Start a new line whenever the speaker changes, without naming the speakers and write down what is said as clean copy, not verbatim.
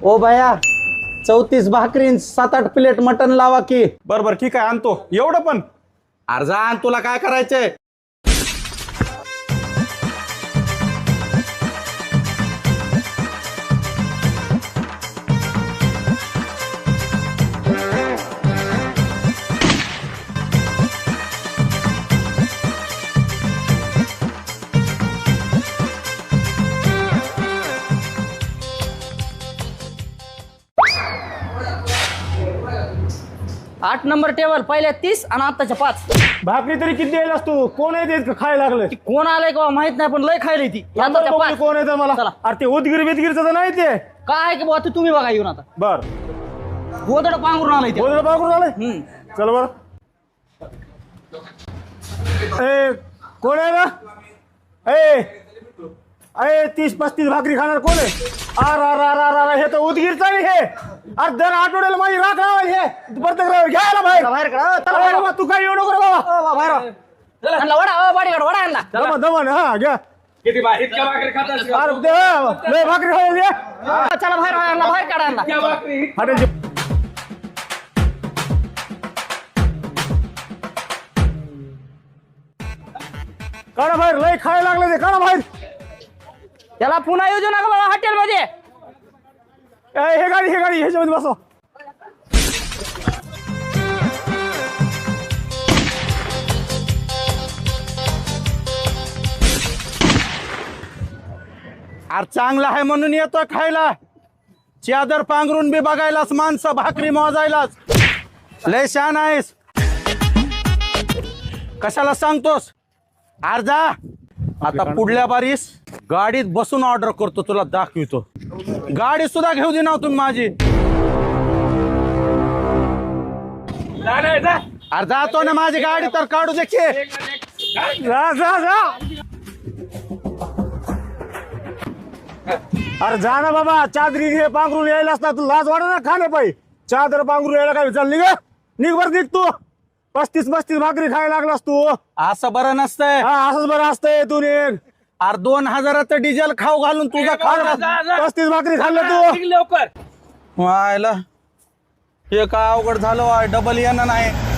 ओ भया 34 भाकरीन 7-8 plate mutton लावा की.
बरोबर ठीक आहे आणतो. एवढं पण
अर्जान तुला काय करायचंय?
आठ नंबर टेबल पहिल्या 30 आणि आताच्या 5.
भाकरी तरी किती द्यायलास तू? कोण आहे ते खायला लागलं?
कोण आलंय का माहित नाही पण लय खायली ती आताच्या 5.
कोण आहे मला?
चला.
अरे ते उदगीर बिदगीरचं तर नाही ते.
काय आहे की बाबा तुम्ही बघा येऊन आता
बर
गोदड पांघरून आलाय ते.
बोल बागून आलंय. चल बर. ए कोण आहे ना? ए 30-35 भाकरी खाणार कोण आहे? अर हे तर उदगीरचं आहे हे. अरे दर आठवड्याला माझी राख लावायला हे प्रत्येक रविवारी घ्यायला बाहेर.
बाहेर काढा. चला
अरे
बाहेर.
बाबा, तू काय येऊ नको रे बाबा.
बाहेर आणला वडा बाडीकडे वडा आणला.
दमन हा घ्या.
किती इतक्या भाकरी खातात
अरे दे लय भाकरी खायला दे.
चला बाहेर आणला बाहेर काढा आणला.
भाकरी
हॉटेलची काढा बाहेर. लय खायला लागलं ते. काढा बाहेर.
त्याला पुन्हा येऊ देऊ नका बाबा हॉटेल मध्ये.
हे गाडी ह्याच्यामध्ये बसव.
अरे चांगला आहे म्हणून येतोय खायला. चादर पांघरून बी बघायलाच, माणसं भाकरी मोजायलाच. लय शान आहेस. कशाला सांगतोस? अर्जा आता पुढल्या बारीस गाडीत बसून ऑर्डर करतो, तुला दाखवितो. गाडी सुद्धा घेऊ दे ना तुम्ही माझी. अरे जातो ना, माझी गाडी तर काढू दे की.
जा अरे जा ना बाबा. चादरी घे पांघरून यायलाच ना. तू लाज वाटत ना खाणे पाहिजे. चादर पांघरून यायला काय चाल निघ बरं निघ तू. 35 भाकरी खायला लागलास तू.
असं बरं नसतंय.
हा असंच बरं असतंय. तू निघ.
अरे 2000चं डिझेल खाऊ घालून तुझा खाऊ
35 भाकरी खाल्लं तू.
लवकर
व्हायला हे काय अवघड झालं. डबल येणं नाही.